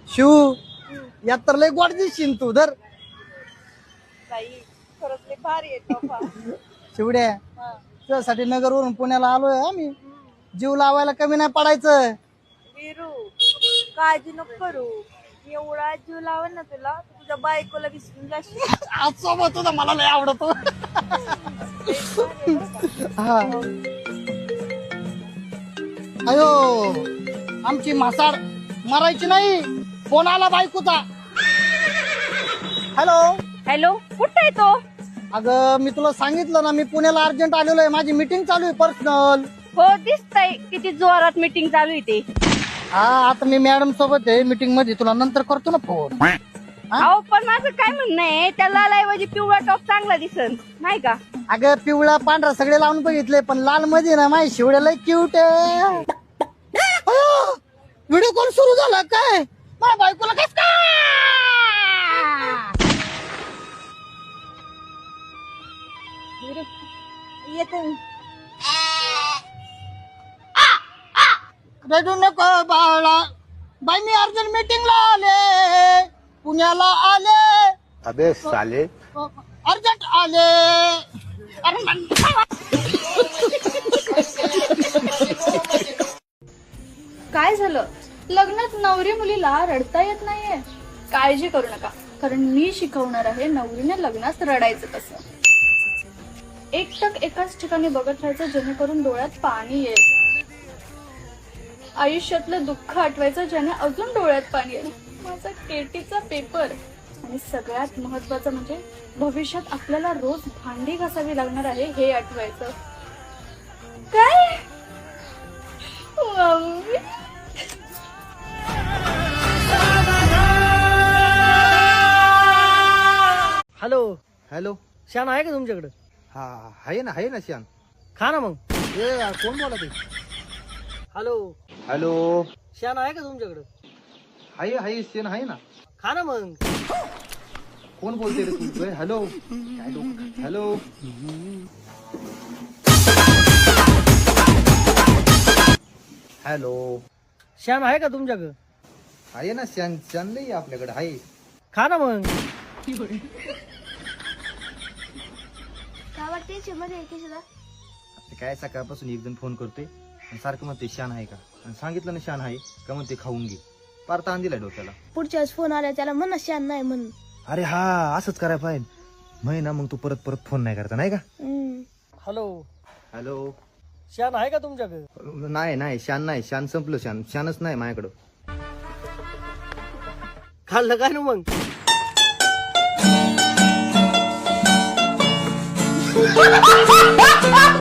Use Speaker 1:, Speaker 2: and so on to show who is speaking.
Speaker 1: शिव यात तर लय गोड दिसशील तू धर.
Speaker 2: खरंच लय भारी आहे तोफा.
Speaker 1: शिवड्या तुझ्यासाठी नगरवरून पुण्याला आलोय आम्ही. जीव लावायला कमी नाही पडायचं.
Speaker 2: वीरू काळजी नको करू. एवढा जीव लावेल ना तुला तुझ्या बायकोला विसरून जाशील.
Speaker 1: आज सोबत तुझा मला लय आवडतो. हा अयो आमची मासाड मरायची नाही. फोन आला बायकोचा. हॅलो
Speaker 2: हॅलो कुठे आहे तो?
Speaker 1: अगं मी तुला सांगितलं ना मी पुण्याला अर्जंट आलेलो आहे. माझी मीटिंग चालू आहे पर्सनल.
Speaker 2: हो दिसतंय किती जोरात मीटिंग चालू आहे ते.
Speaker 1: हा आता मी मॅडम सोबत आहे मीटिंग मध्ये. तुला नंतर करतो ना फोन.
Speaker 2: अहो पण माझं काय म्हणणं आहे त्या लालऐवजी पिवळा टॉप चांगला दिसन नाही का?
Speaker 1: अगं पिवळा पांढरा सगळे लावून बघितले पण लाल मध्ये ना माझी शिवड्याला क्यूट आहे. व्हिडिओ कॉल सुरू झाला काय? माझ्या बायकोला कस काय
Speaker 2: येते
Speaker 1: रडू नको बाळा. बाई मी अर्जंट मीटिंगला आले. पुण्याला आले.
Speaker 3: अबे साले
Speaker 1: अर्जंट आले.
Speaker 4: काय झालं? लग्नात नवरी मुलीला रडता येत नाहीये? काळजी करू नका, कारण मी शिकवणार आहे नवरीने लग्नात रडायचं कसं. एकटक एकाच ठिकाणी बघत राहायचं जेणेकरून डोळ्यात पाणी येईल. आयुष्यातलं दुःख आठवायचं ज्याने अजून डोळ्यात पाणी येईल. माझा केटीचा पेपर. आणि सगळ्यात महत्वाचं म्हणजे भविष्यात आपल्याला रोज भांडी घासावी लागणार आहे हे आठवायचं. काय मम्मी?
Speaker 5: Hello
Speaker 3: hello.
Speaker 5: शान आहे का तुमच्याकडे?
Speaker 3: हा आहे ना श्यान.
Speaker 5: खा ना मग.
Speaker 3: ए कोण बोलत आहे?
Speaker 5: Hello
Speaker 3: hello.
Speaker 5: शान आहे का तुमच्याकडे?
Speaker 3: आहे श्यान आहे ना.
Speaker 5: खा ना मग.
Speaker 3: कोण बोलते रे तू? ए, हॅलो. हॅलो. हॅलो.
Speaker 5: शान आहे का तुमच्याकडे?
Speaker 3: आहे ना श्यान. श्यान नाही आपल्याकडे आहे.
Speaker 5: खा ना मग.
Speaker 4: काय वाटते चिमध्ये एके सुद्धा?
Speaker 3: आता काय सकाळपासून एक जण फोन करते आणि सारखं म्हणते शान आहे का. आणि सांगितलं ना शान आहे का म्हणते खाऊन घे. पार ताण दिलाय डोक्याला.
Speaker 4: पुढच्या वेळेस फोन आला त्याला म्हणा शान नाही म्हणून.
Speaker 3: अरे हा असंच करायला पाहिजे. म्हणे ना मग तू परत फोन नाही करता नाही का.
Speaker 5: Hello
Speaker 3: hello.
Speaker 5: शान आहे का तुमच्याकडे?
Speaker 3: नाही शान नाही. शान संपलं. शानच नाही माझ्याकडं.
Speaker 5: खाल्लं काय ना मग.